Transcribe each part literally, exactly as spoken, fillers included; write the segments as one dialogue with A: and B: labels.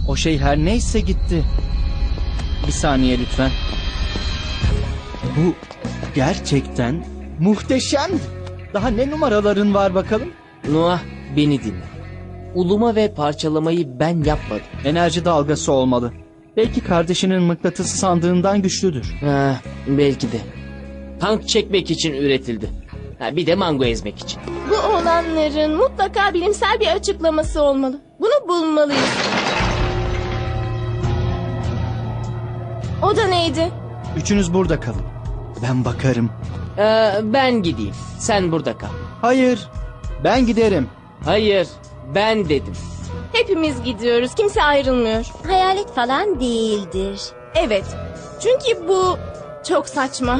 A: O şey her neyse gitti. Bir saniye lütfen. Bu gerçekten muhteşemdi. Daha ne numaraların var bakalım?
B: Noah, beni dinle. Uluma ve parçalamayı ben yapmadım.
A: Enerji dalgası olmalı. Belki kardeşinin mıknatısı sandığından güçlüdür.
B: Ha, belki de. Tank çekmek için üretildi. Ha, bir de mango ezmek için.
C: Bu olanların mutlaka bilimsel bir açıklaması olmalı. Bunu bulmalıyız. O da neydi?
A: Üçünüz burada kalın. Ben bakarım.
B: Ee, ben gideyim. Sen burada kal.
A: Hayır, ben giderim.
B: Hayır, ben dedim.
C: Hepimiz gidiyoruz. Kimse ayrılmıyor.
D: Hayalet falan değildir.
C: Evet. Çünkü bu çok saçma.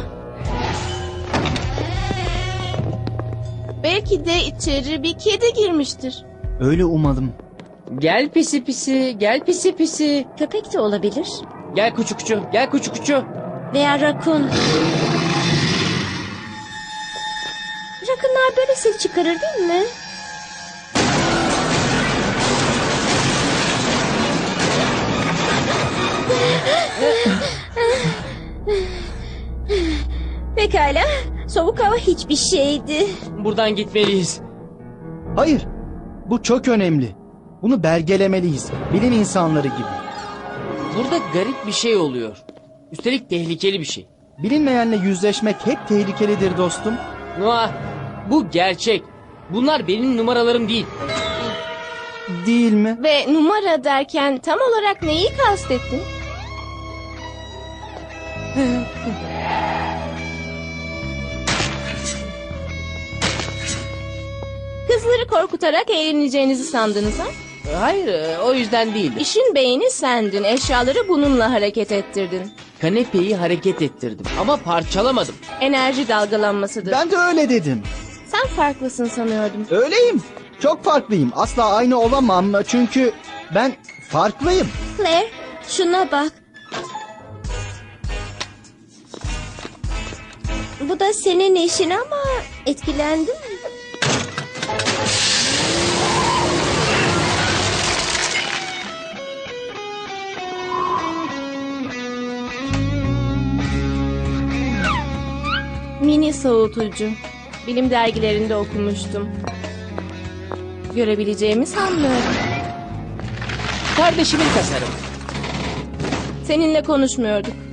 C: Belki de içeri bir kedi girmiştir.
A: Öyle umalım.
B: Gel pisi pisi, gel pisi pisi.
D: Köpek de olabilir.
B: Gel kuçu kuçu, gel kuçu kuçu.
D: Veya rakun. Rakunlar böyle ses çıkarır değil mi? Pekala. Soğuk hava hiçbir şeydi.
B: Buradan gitmeliyiz.
A: Hayır, bu çok önemli. Bunu belgelemeliyiz. Bilim insanları gibi.
B: Burada garip bir şey oluyor. Üstelik tehlikeli bir şey.
A: Bilinmeyenle yüzleşmek hep tehlikelidir dostum.
B: Noah, bu gerçek. Bunlar benim numaralarım değil.
A: Değil mi?
C: Ve numara derken tam olarak neyi kastettin? Kızları korkutarak eğleneceğinizi sandınız ha?
B: Hayır, e, o yüzden değil.
C: İşin beyni sendin. Eşyaları bununla hareket ettirdin.
B: Kanepeyi hareket ettirdim ama parçalamadım.
C: Enerji dalgalanmasıdır.
A: Ben de öyle dedim.
C: Sen farklısın sanıyordum.
A: Öyleyim. Çok farklıyım. Asla aynı olamam çünkü ben farklıyım.
D: Claire, şuna bak. Bu da senin eşin ama etkilendin mi?
C: Mini soğutucu. Bilim dergilerinde okumuştum. Görebileceğimi sanmıyorum.
B: Kardeşimin tasarımı.
C: Seninle konuşmuyorduk.